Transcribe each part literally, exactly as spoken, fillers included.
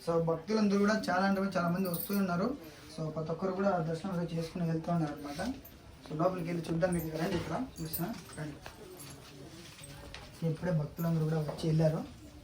So భక్తులందరూ కూడా చాలా అంటే చాలా మంది వస్తూ ఉన్నారు. సో ప్రతి ఒక్కరు కూడా దర్శనం చేసుకుని వెళ్తూ ఉన్నారు అనమాట. సో లోపలికి వెళ్ళి చూద్దాం. మీకు రండి, ఇక్కడ చూసిన రండి. సో ఇప్పుడే భక్తులందరూ కూడా వచ్చి వెళ్ళారు.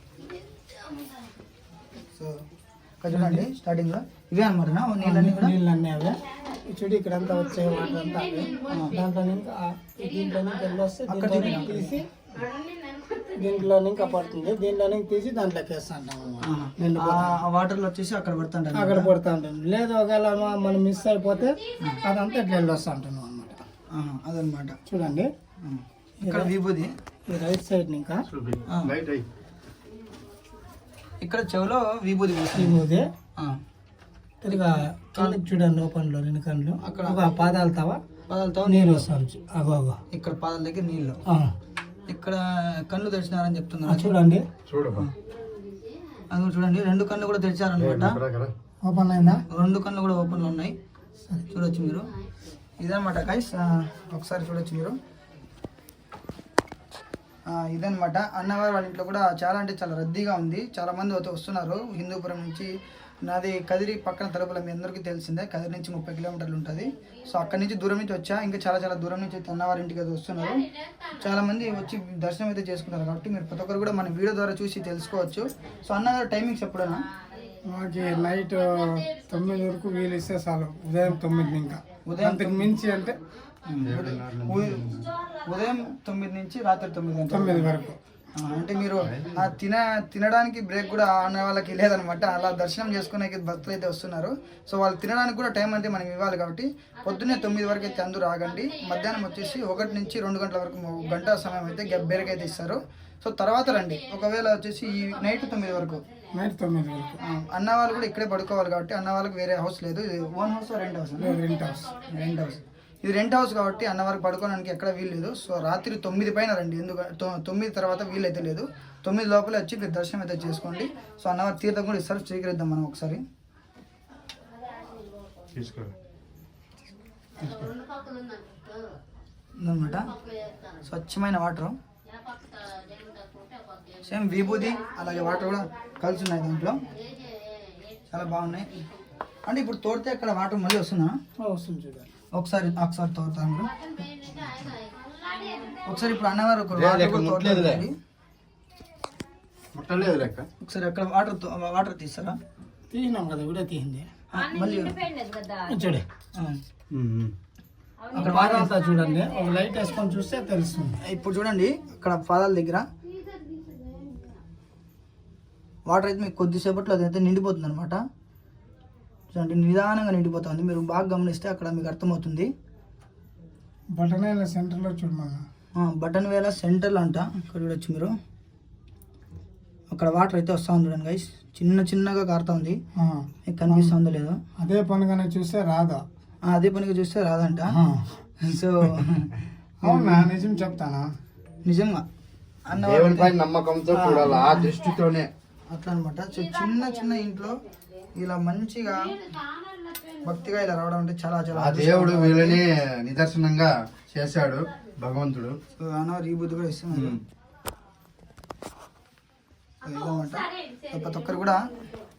సో ఇక్కడ చూడండి స్టార్టింగ్ లో ఇవే అనమాట నీళ్ళన్నీ కూడా నీళ్ళన్నీ అవే చూడు. ఇక్కడ అంతా వచ్చే వాటర్ అంతా అవే. దాంట్లో ఇంకా దీంట్లో నుంచి వెళ్ళొస్తే అక్కడ తీసి దీంట్లో ఇంకా పడుతుంది. దీంట్లో తీసి దాంట్లోకి వేస్తా ఉంటాం. ఆ వాటర్ లో వచ్చేసి అక్కడ పడుతుంటాం అక్కడ పడుతూ ఉంటాం. లేదు ఒకవేళ మనం మిస్ అయిపోతే అదంతా ఇట్లా వెళ్ళొస్తా ఉంటాను అనమాట. అదనమాట. చూడండి ఇక్కడ విభూది ఈ రైట్ సైడ్ ఇంకా ఇక్కడ చెవులో విభూది విభూది తిరిగా కళ్ళకి చూడండి ఓపెన్లో రెండు కళ్ళు అక్కడ పాదాలు తవ పాదాలతో నీళ్ళు వస్తాను. అగో అగో ఇక్కడ పాదాల దగ్గర నీళ్ళు. ఇక్కడ కళ్ళు తెరిచినారని చెప్తున్నారు. చూడండి అది చూడండి రెండు కళ్ళు కూడా తెరిచారనమాట. ఓపెన్ అయిందా? రెండు కళ్ళు కూడా ఓపెన్ లో ఉన్నాయి. చూడొచ్చు మీరు. ఇదనమాట గైస్, ఒకసారి చూడొచ్చు మీరు. ఇదనమాట అన్నవారి వాళ్ళ ఇంట్లో కూడా చాలా అంటే చాలా రద్దీగా ఉంది. చాలా మంది అయితే వస్తున్నారు హిందూపురం నుంచి. నాది కదిరి పక్కన తలుపుల మీ అందరికీ తెలిసిందే. కదిరి నుంచి ముప్పై కిలోమీటర్లు ఉంటుంది. సో అక్కడి నుంచి దూరం నుంచి వచ్చా. ఇంకా చాలా చాలా దూరం నుంచి అయితే అన్నవారి ఇంటికి అయితే వస్తున్నారు. చాలా మంది వచ్చి దర్శనం అయితే చేసుకుంటారు. కాబట్టి మీరు ప్రతి ఒక్కరు కూడా మన వీడియో ద్వారా చూసి తెలుసుకోవచ్చు. సో అన్నగారు టైమింగ్స్ ఎప్పుడైనా మాకు నైట్ తొమ్మిది వరకు వీలు ఇస్తే చాలు. ఉదయం తొమ్మిది ఇంకా ఉదయం మించి అంటే ఉదయం తొమ్మిది నుంచి రాత్రి తొమ్మిది తొమ్మిది వరకు. అంటే మీరు తిన తినడానికి బ్రేక్ కూడా అన్న వాళ్ళకి లేదనమాట. అలా దర్శనం చేసుకునే భక్తులు అయితే వస్తున్నారు. సో వాళ్ళు తినడానికి కూడా టైం అంటే మనకి ఇవ్వాలి. కాబట్టి పొద్దున్నే తొమ్మిది వరకు అయితే అందరూ ఆగండి. మధ్యాహ్నం వచ్చేసి ఒకటి నుంచి రెండు గంటల వరకు గంట సమయం అయితే బేరకైతే అయితే ఇస్తారు. సో తర్వాత రండి. ఒకవేళ వచ్చేసి ఈ నైట్ తొమ్మిది వరకు నైట్ తొమ్మిది వరకు అన్న వాళ్ళు కూడా ఇక్కడే పడుకోవాలి. కాబట్టి అన్న వాళ్ళకి వేరే హౌస్ లేదు. ఇది own house rent house rent house rent house ఇది రెంట్ హౌస్ కాబట్టి అన్న వారికి పడుకోవడానికి ఎక్కడ వీలు లేదు. సో రాత్రి తొమ్మిది పైన రండి. ఎందుకంటే తొమ్మిది తర్వాత వీలు అయితే లేదు. తొమ్మిది లోపల వచ్చి మీరు దర్శనం అయితే చేసుకోండి. సో అన్నవారి తీర్థం కూడా ఇస్తారు. స్వీకరిద్దాం మనం ఒకసారి. అనమాట స్వచ్ఛమైన వాటర్, సేమ్ విభూది అలాగే వాటర్ కూడా కలిసి ఉన్నాయి దాంట్లో. చాలా బాగున్నాయి. అంటే ఇప్పుడు తోడితే అక్కడ వాటర్ మళ్ళీ వస్తుందా? వస్తుంది చూడండి. ఒకసారి ఒకసారి తోడతాను. ఒకసారి ఇప్పుడు అన్నవారు ఒకసారి అక్కడ వాటర్ వాటర్ తీస్తారా? తీసినాం కదా, కూడా తీసింది. మళ్ళీ చూడే అక్కడ వాటర్ అంతా చూడండి. ఒక లైట్ వేసుకొని చూస్తే తెలుస్తుంది. ఇప్పుడు చూడండి అక్కడ పాదాల దగ్గర వాటర్ అయితే మీకు కొద్దిసేపట్లో అదైతే నిండిపోతుంది అనమాట. చూడండి నిదానంగా నిండిపోతుంది. మీరు బాగా గమనిస్తే అక్కడ మీకు అర్థమవుతుంది. బటన్ వేల సెంటర్లో చూడమన్నా. బటన్ వేల సెంటర్లో అంట. ఇక్కడ చూడొచ్చు మీరు. అక్కడ వాటర్ అయితే వస్తూ ఉంది చూడండి గైస్. చిన్న చిన్నగా కారుతా ఉంది. మీకు కనిపిస్తుందో లేదో. అదే పనిగానే చూస్తే రాదా? అదే పనిగా చూస్తే రాదంట. సో అవునా? నిజం చెప్తానా? నిజంగా అన్న నమ్మకంతో చూడాలి, ఆ దృష్టితోనే అట్లా అనమాట. సో చిన్న చిన్న ఇంట్లో ఇలా మంచిగా భక్తిగా ఇలా రావడం అంటే చాలా చాలా దేవుడు వీళ్ళని నిదర్శనంగా చేశాడు భగవంతుడు. అన్నవారు ఈ బుద్ధి కూడా ఇస్తున్నారు. ఇదన్నమాట. ప్రతి ఒక్కరు కూడా